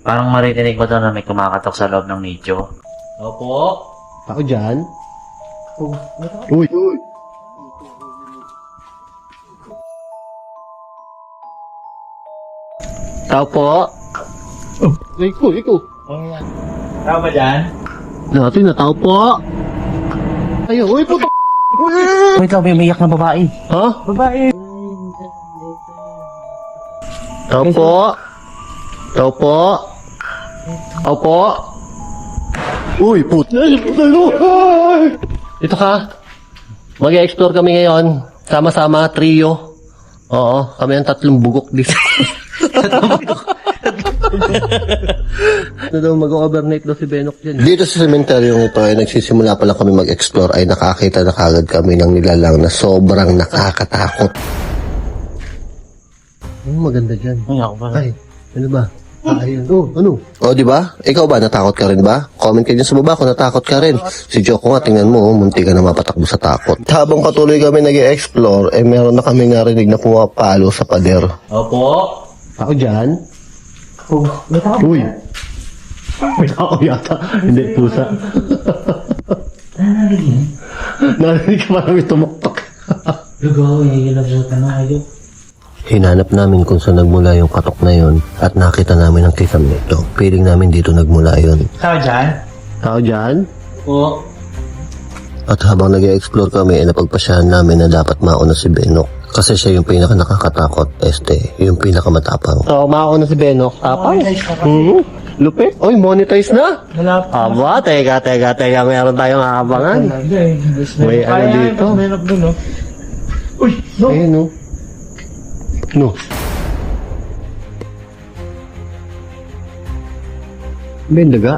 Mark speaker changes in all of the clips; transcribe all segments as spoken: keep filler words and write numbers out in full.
Speaker 1: Parang maririnig ko daw na may kumakatok sa loob ng nicho. Opo.
Speaker 2: Ako dyan? Uy! Uy! Tao po? Oh, ikaw, ikaw.
Speaker 1: Tao ba dyan?
Speaker 2: Natin na tao po. Ayun, uy, puto.
Speaker 1: Uy, ikaw, may umiyak na babae.
Speaker 2: Ha?
Speaker 1: Babae.
Speaker 2: Tao po? Tao po? Tao po? Uy, puto. Ito ka. Mag-explore kami ngayon. Sama-sama, trio. Oo, kami ang tatlong bugok dito. Ito daw, mag-overnight daw si Benok dyan. Dito sa sementeryong ito ay nagsisimula pa lang kami mag-explore ay nakakita na kagad kami ng nilalang na sobrang nakakatakot. Ano maganda dyan?
Speaker 1: Ay, ako ba?
Speaker 2: Ay, ano ba? Ah, ayun. Oh, ano? Oh, di ba? Ikaw ba, natakot ka rin ba? Comment ka dyan sa baba kung natakot ka rin. Si Joko nga, tingnan mo, oh, munti ka na mapatakbo sa takot. Habang patuloy kami nag-explore, eh meron na kami narinig na pumapalo sa pader.
Speaker 1: Opo.
Speaker 2: Ako dyan?
Speaker 1: Oh, may tao.
Speaker 2: Uy! May tao yata. Hindi, pusa.
Speaker 1: Narinig.
Speaker 2: Narinig ka parang may tumuktok.
Speaker 1: Lugaw, hihilap sa tanong. Ayaw.
Speaker 2: Hinanap namin kung saan nagmula yung katok na yon at nakita namin ang kisam nito. Piling namin dito nagmula yon.
Speaker 1: Tao dyan?
Speaker 2: Tao dyan?
Speaker 1: Oo.
Speaker 2: At habang nag-explore kami, eh, napagpasyahan namin na dapat mauna si Benok. Kasi siya yung pinaka nakakatakot, este, yung pinaka matapang. So, mauna si Benok. Tapang? Mm-hmm. Lupit? Oy, monetize na?
Speaker 1: Wala pa.
Speaker 2: Aba, teka, teka, teka, meron tayong aabangan. May ano dito?
Speaker 1: Meron doon, no? Uy, no!
Speaker 2: Ayun, no? No. May daga?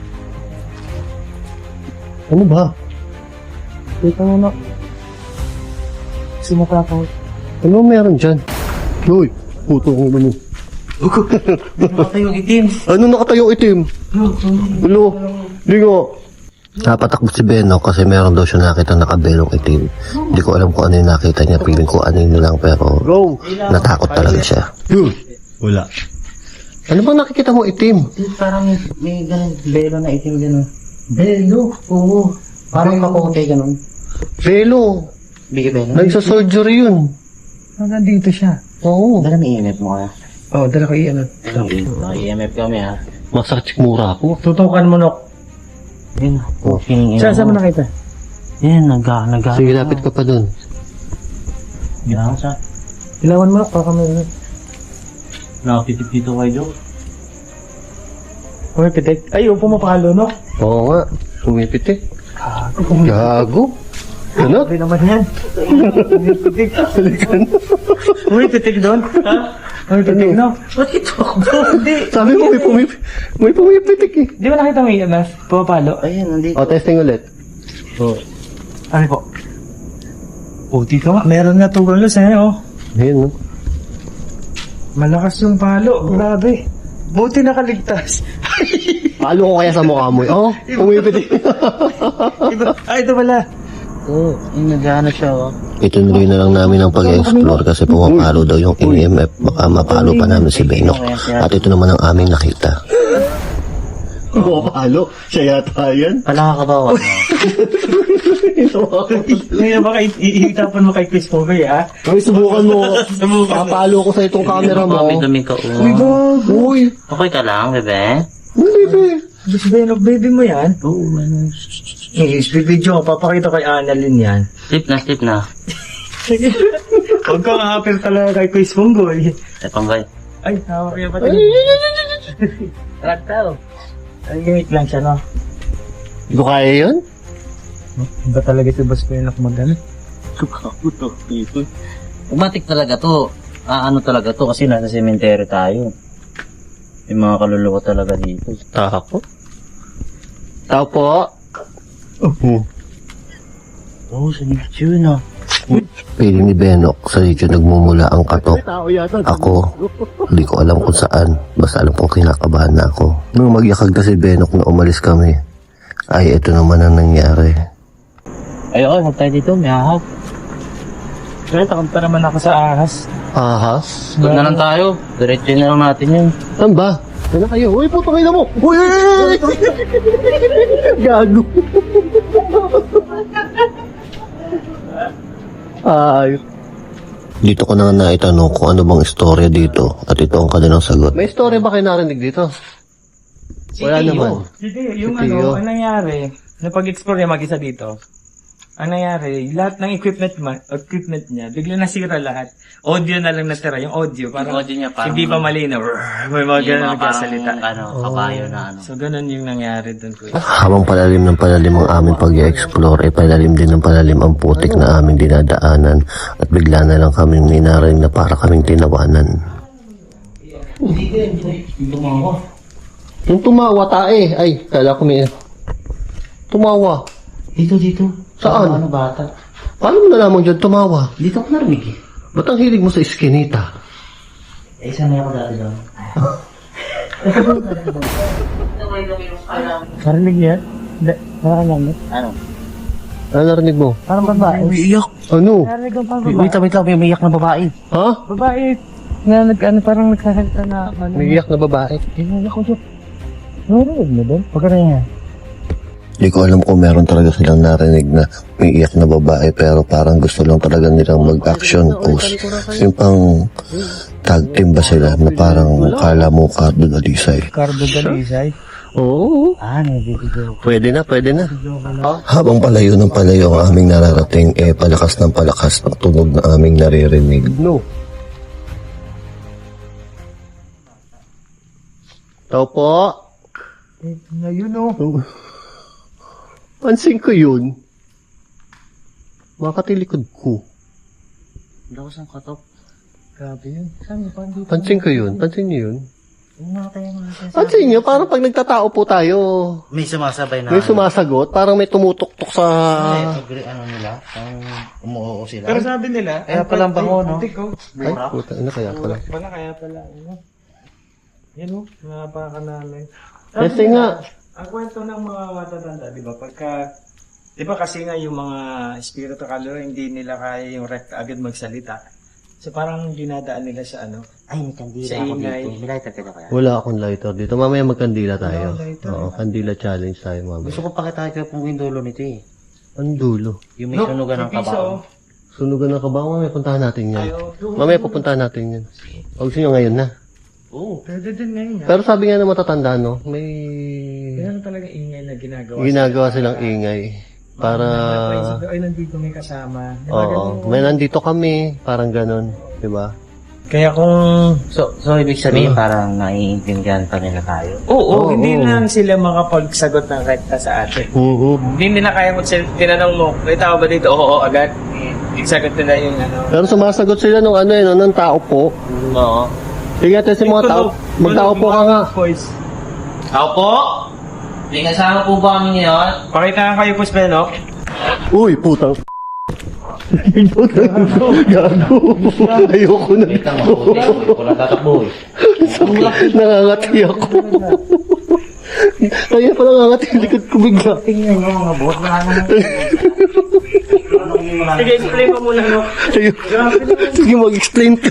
Speaker 2: Ano ba?
Speaker 1: Kita mo na. Sumatakot.
Speaker 2: Ano meron dyan? Uy, puto kong ano.
Speaker 1: Nakatay yung itim.
Speaker 2: Ano nakatayong itim? Ulo, lingo. Napatakbo si Beno kasi meron daw siya nakita nakabelong itim. Hindi ko alam kung ano yung nakita niya. Piling ko ano yun lang pero natakot talaga siya. Yun. Wala. Ano bang nakikita mo itim?
Speaker 1: Parang may, may ganun, belo na itim ganun. Belo? Oo. Parang maputi ganun.
Speaker 2: Belo.
Speaker 1: Bigay belo?
Speaker 2: Nagsa-surgery yun.
Speaker 1: Hanggang dito siya.
Speaker 2: Oo.
Speaker 1: Dala may E M F mo kaya?
Speaker 3: Oo, oh, dala ko iyan.
Speaker 1: Naka-E M F kami ha.
Speaker 2: Masakit mura ako.
Speaker 3: Tutukan mo, Nok.
Speaker 1: Yun. Feeling
Speaker 3: Saan saan mo nakita?
Speaker 1: Yan, nagga, nagga.
Speaker 2: Sige, lapit ka pa dun.
Speaker 1: Yan, sa.
Speaker 3: Ilawan mo, Nok. Baka may...
Speaker 1: Nakatitip dito kay Joe.
Speaker 3: Uy, pitik. Ay, yung pumapalo, Nok.
Speaker 2: Oo nga. Pumipitik. Gago. Ano?
Speaker 3: Hindi naman yan. Pitik. Uy, pitik doon. Ha? Uy, pitik, no?
Speaker 1: Ba't ito ako?
Speaker 3: Hindi.
Speaker 2: Sabi mo, may, pumip may pumipitik eh.
Speaker 3: Di ba nakita mo yung mas? Pumapalo?
Speaker 1: Ayan, nandito.
Speaker 2: O, testing ulit. O.
Speaker 3: Ano po? Oh, dito nga. Meron nga tugalos eh, oh.
Speaker 2: Ayun, no?
Speaker 3: Malakas yung palo. Grabe. Buti nakaligtas.
Speaker 2: Palo ko kaya sa mukha mo. Oh, pumipitik.
Speaker 3: Iba. Ay, ito pala.
Speaker 1: Oo, yung nag-ano siya oh.
Speaker 2: Ituloy na lang namin ang pag-explore kasi pumapalo daw yung E M F. Baka mapalo pa namin si Benok. At ito naman ang aming nakita. Pumapalo? Siya yata yan?
Speaker 1: Pala ka ba?
Speaker 3: Ngayon baka iitapan mo kay Chris Povey, ha?
Speaker 2: Ay, subukan mo. Papalo ko sa itong camera mo.
Speaker 1: Dumi ka oh.
Speaker 3: Uy, Bob.
Speaker 2: Uy,
Speaker 1: Okay ka lang, bebe?
Speaker 2: baby.
Speaker 3: Gusto ba yung baby mo yan?
Speaker 1: Oo, ano.
Speaker 3: Eh, speed video ko. Papakita kay Annalyn yan.
Speaker 1: Slip na, slip na.
Speaker 3: Huwag kang apel talaga kay Chris Ponggoy.
Speaker 1: Ay, panggay.
Speaker 3: Ay, hawak niya pa tayo. Traktaw. Ay, gimik lang siya, no?
Speaker 2: Hindi ko kaya yun?
Speaker 3: Ba talaga si Boss Penak mag-ano?
Speaker 1: Sukakuto dito. Umatik talaga to. Ah, ano talaga to kasi nasa cemetery tayo. May mga kaluluwa talaga dito.
Speaker 2: Tako. Tao po.
Speaker 1: Oo, oh, sa video na.
Speaker 2: Piling ni Benok sa dito nagmumula ang katok. Ako, hindi ko alam kung saan. Basta alam kong kinakabahan na ako. Nung magyakag na si Benok na umalis kami, ay ito naman ang nangyari.
Speaker 1: Ay, okay, huwag tayo dito. May ahas.
Speaker 3: Kaya takot pa naman ako sa ahas.
Speaker 2: Ahas?
Speaker 1: Huwag na lang tayo. Diretso na lang natin yun.
Speaker 2: Saan ba? Ano na kayo? Uy, putang ina mo! Uy! Uy! Uy! Gago! Ay. Dito ko na nga naitanong kung ano bang istorya dito at ito ang kanilang sagot. May istorya ba kayo narinig dito? Wala naman.
Speaker 3: Hindi, yung
Speaker 2: Si Tio.
Speaker 3: ano, ang nangyari, napag-explore niya mag-isa dito, ang nangyari, lahat ng equipment ma- equipment niya, bigla nasira lahat. Audio na lang natira, yung audio, parang
Speaker 1: Yung audio niya parang-
Speaker 3: hindi pa malinaw. May mga
Speaker 1: Yung
Speaker 3: ganun
Speaker 1: mga
Speaker 3: nagkasalita.
Speaker 1: parang, ano, kabayo na ano.
Speaker 3: So, ganun yung nangyari dun ko.
Speaker 2: Habang palalim ng palalim ang aming pag-i-explore, ay palalim din ng palalim ang putik na aming dinadaanan at bigla na lang kami ninaring na para kaming tinawanan. Yung tumawa tae, ay, kala ko may... Tumawa.
Speaker 1: Dito, dito.
Speaker 2: Saan?
Speaker 1: Ano, bata?
Speaker 2: Paano mo nalaman dyan tumawa?
Speaker 1: Dito ko narinig eh.
Speaker 2: Ba't ang hilig mo sa iskinita?
Speaker 1: Eh, sanay ako dati doon.
Speaker 3: Narinig niya? Hindi, narinig.
Speaker 1: Ano?
Speaker 2: Ano narinig mo?
Speaker 3: Parang babae.
Speaker 1: Umiiyak.
Speaker 2: Ano?
Speaker 3: Narinig ko parang
Speaker 1: Wait,
Speaker 3: babae.
Speaker 1: wait, wait lang. May umiiyak na babae.
Speaker 2: Ha?
Speaker 3: Babae. Na nag, ano, parang nagsasalita na, ano.
Speaker 2: Nagiyak na babae.
Speaker 3: Ginagawa ko siya. Narinig mo doon? Pagkara niya.
Speaker 2: Hindi ko alam kung meron talaga silang narinig na may iyak na babae pero parang gusto lang talaga nilang mag-action post. Yung pang tag team ba sila na parang kala mo Cardo Dalisay.
Speaker 3: Cardo Dalisay.
Speaker 2: Oo.
Speaker 3: Ah, nabibigyo.
Speaker 2: Pwede na, pwede na. Habang palayo ng palayo ang aming nararating, eh palakas ng palakas ang tunog na aming naririnig. No. Tao po.
Speaker 3: Eh, ngayon oh.
Speaker 2: Pansin ko yun. Makatilikod ko.
Speaker 1: Daw sa katok.
Speaker 3: Grabe yun. Saan pa dito?
Speaker 2: Pansin ko yun. Pansin niyo yun.
Speaker 1: Umatay ang mga
Speaker 2: Pansin niyo, parang pag nagtatao po tayo,
Speaker 1: May sumasabay na.
Speaker 2: may sumasagot, parang may tumutok-tok sa...
Speaker 1: Ay, pag ano nila, ang umuoo sila.
Speaker 3: Pero sabi nila,
Speaker 1: Kaya palang bango, no?
Speaker 3: Antik, oh.
Speaker 2: Ay, puta, ano kaya pala?
Speaker 3: Wala kaya pala. Ano? Yan o, napakanalay.
Speaker 2: Kasi nga,
Speaker 3: Ang kwento ng mga matatanda, di ba, pagka, di ba kasi nga yung mga espiritu kaluluwa, hindi nila kaya yung recta agad magsalita. So parang dinadaan nila sa ano,
Speaker 1: Ay, may kandila
Speaker 3: Sa
Speaker 1: ako
Speaker 3: ingay.
Speaker 1: dito. May lighter ka na kaya?
Speaker 2: wala akong lighter dito. Mamaya magkandila tayo.
Speaker 3: Wala, lighter.
Speaker 2: Oo, kandila challenge tayo mamaya.
Speaker 1: Gusto ko pakita kayo kung yung dulo nito eh.
Speaker 2: Ang dulo.
Speaker 1: Yung may sunugan ng
Speaker 3: piso,
Speaker 1: kabaw.
Speaker 2: Sunugan ng kabaw, mamaya puntahan natin yan.
Speaker 3: Ayaw.
Speaker 2: Mamaya pupuntahan natin yan. Huwag gusto nyo ngayon na.
Speaker 1: Oo.
Speaker 3: Pwede din ngayon nga.
Speaker 2: Pero sabi nga ng matatanda, no, may
Speaker 3: Meron talaga ingay na ginagawa.
Speaker 2: ginagawa silang ingay. Para,
Speaker 3: Napaisip ko, ay, nandito may kasama. Di ba,
Speaker 2: oo,
Speaker 3: ganun?
Speaker 2: may nandito kami, parang ganon, di ba?
Speaker 3: Kaya kung
Speaker 1: So, so ibig sabihin parang naiintindihan pa nila tayo.
Speaker 3: Oo,
Speaker 2: Oo,
Speaker 3: hindi
Speaker 2: oo.
Speaker 3: lang sila makapagsagot ng rekta sa atin.
Speaker 2: Oo.
Speaker 3: Hindi nila kaya mo sila, tinanong mo, may tao ba dito? Oo, oo, agad. Isagot nila yung ano.
Speaker 2: Pero sumasagot sila nung ano eh, no, ng tao po.
Speaker 1: Oo.
Speaker 2: Sige natin si mga tao, magtao po ka nga.
Speaker 3: Voice.
Speaker 1: Ako po? May kasama po ba kami ngayon?
Speaker 3: Pakita nga kayo, Puspeno.
Speaker 2: Uy, putang putang gago. Ayoko na.
Speaker 1: Wait lang, mabuti. Wala tatakbo eh.
Speaker 2: Nangangati ako. Kaya pala nangangati yung likod ko bigla.
Speaker 1: Tingnan nyo mga boss. Wala naman.
Speaker 3: Sige, explain mo muna, no?
Speaker 2: Sige, sige mag-explain ka.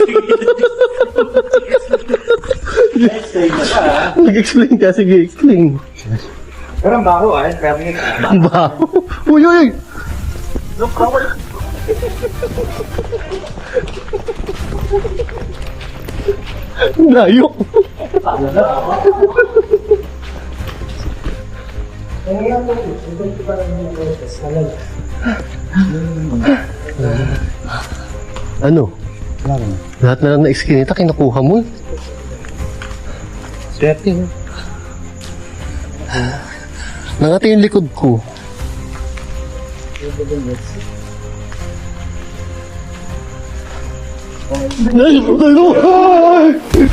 Speaker 2: Mag-explain ka, sige, explain.
Speaker 3: Pero ang baho, ah. Grabe yun.
Speaker 2: Ang baho. Uy, uy, uy. Layo. Ano? Lahat na lang na iskinita, kinukuha mo.
Speaker 3: Swerte, no?
Speaker 2: Nangati yung likod ko. Ay, ano? Ay!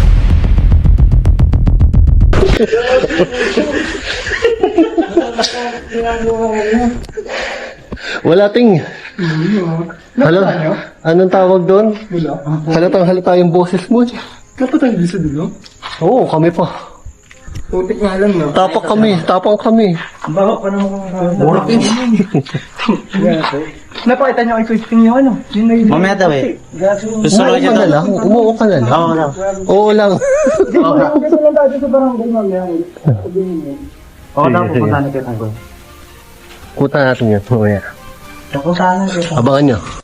Speaker 2: Wala ting. Hala, anong tawag doon? Halatang halata yung boses mo.
Speaker 3: Dapat ang gusto dulo?
Speaker 2: Oo, kami pa.
Speaker 3: Putik nga lang, no?
Speaker 2: Tapak kami, tapang kami.
Speaker 3: Ang baho pa naman.
Speaker 1: Mura pin.
Speaker 3: Napakita niyo kay Christine yung ano. Yun na yun.
Speaker 1: Mamaya daw eh. Gusto
Speaker 2: Umuo ka na lang. Umuo ka na lang.
Speaker 1: Oo lang.
Speaker 2: Oo lang.
Speaker 3: Gusto lang tayo sa barangay mamaya.
Speaker 1: Oo lang, pupunta na kita.
Speaker 2: Puta natin yun. Mamaya.
Speaker 3: Napuntahan na kita.
Speaker 2: Abangan nyo.